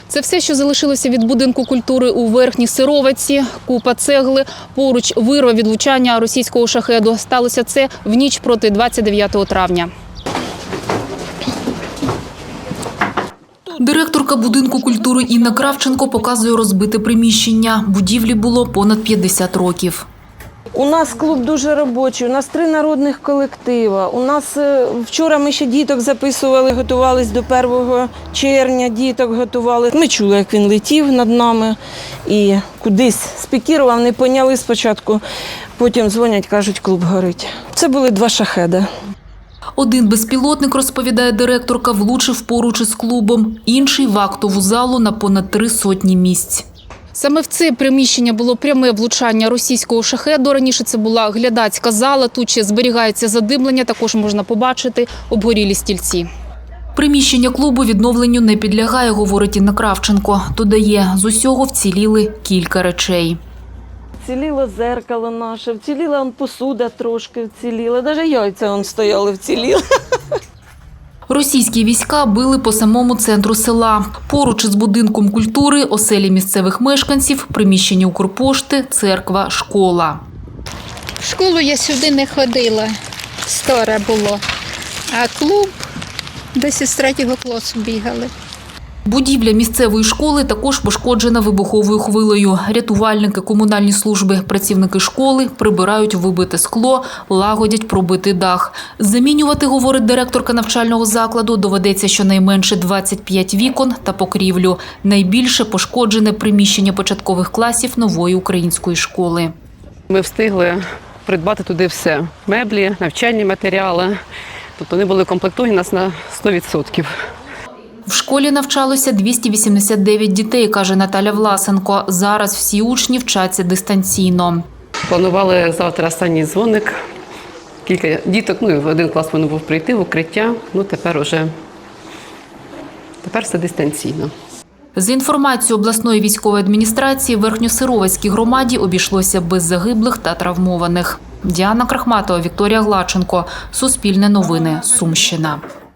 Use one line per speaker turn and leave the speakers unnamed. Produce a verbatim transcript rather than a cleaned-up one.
Це все, що залишилося від будинку культури у Верхній Сироваці. Купа цегли, поруч вирва від влучання російського шахеду. Сталося це в ніч проти двадцять дев'ятого травня. Директорка будинку культури Інна Кравченко показує розбите приміщення. Будівлі було понад п'ятдесят років.
У нас клуб дуже робочий, у нас три народних колективи. У нас вчора ми ще діток записували, готувалися до першого червня, діток готували. Ми чули, як він летів над нами і кудись спікірував, не поняли спочатку. Потім дзвонять, кажуть, клуб горить. Це були два шахеди.
Один безпілотник, розповідає директорка, влучив поруч із клубом, інший – в актову залу на понад три сотні місць. Саме в це приміщення було пряме влучання російського шахеду. Раніше це була глядацька зала, тут ще зберігається задимлення, також можна побачити обгорілі стільці. Приміщення клубу відновленню не підлягає, говорить Інна Кравченко. Додає, з усього вціліли кілька речей.
Вціліло зеркало наше, вціліла он посуда трошки вціліла, навіть яйця он стояли вціліли.
Російські війська били по самому центру села. Поруч із будинком культури, оселі місцевих мешканців, приміщення Укрпошти, церква, школа.
В школу я сюди не ходила, старе було, а клуб десь із третього класу бігали.
Будівля місцевої школи також пошкоджена вибуховою хвилею. Рятувальники, комунальні служби, працівники школи прибирають вибите скло, лагодять пробитий дах. Замінювати, говорить директорка навчального закладу, доведеться щонайменше двадцять п'ять вікон та покрівлю. Найбільше пошкоджене приміщення початкових класів нової української школи.
Ми встигли придбати туди все – меблі, навчальні матеріали. Тобто вони були комплектовані нас на сто відсотків.
В школі навчалося двісті вісімдесят дев'ять дітей, каже Наталя Власенко. Зараз всі учні вчаться дистанційно.
Планували завтра останній дзвоник. Кілька діток, ну, в один клас вони був прийти в укриття, ну тепер уже, тепер все дистанційно.
За інформацією обласної військової адміністрації, в Верхньосировацькій громаді обійшлося без загиблих та травмованих. Діана Крахматова, Вікторія Глаченко. Суспільне новини. Сумщина.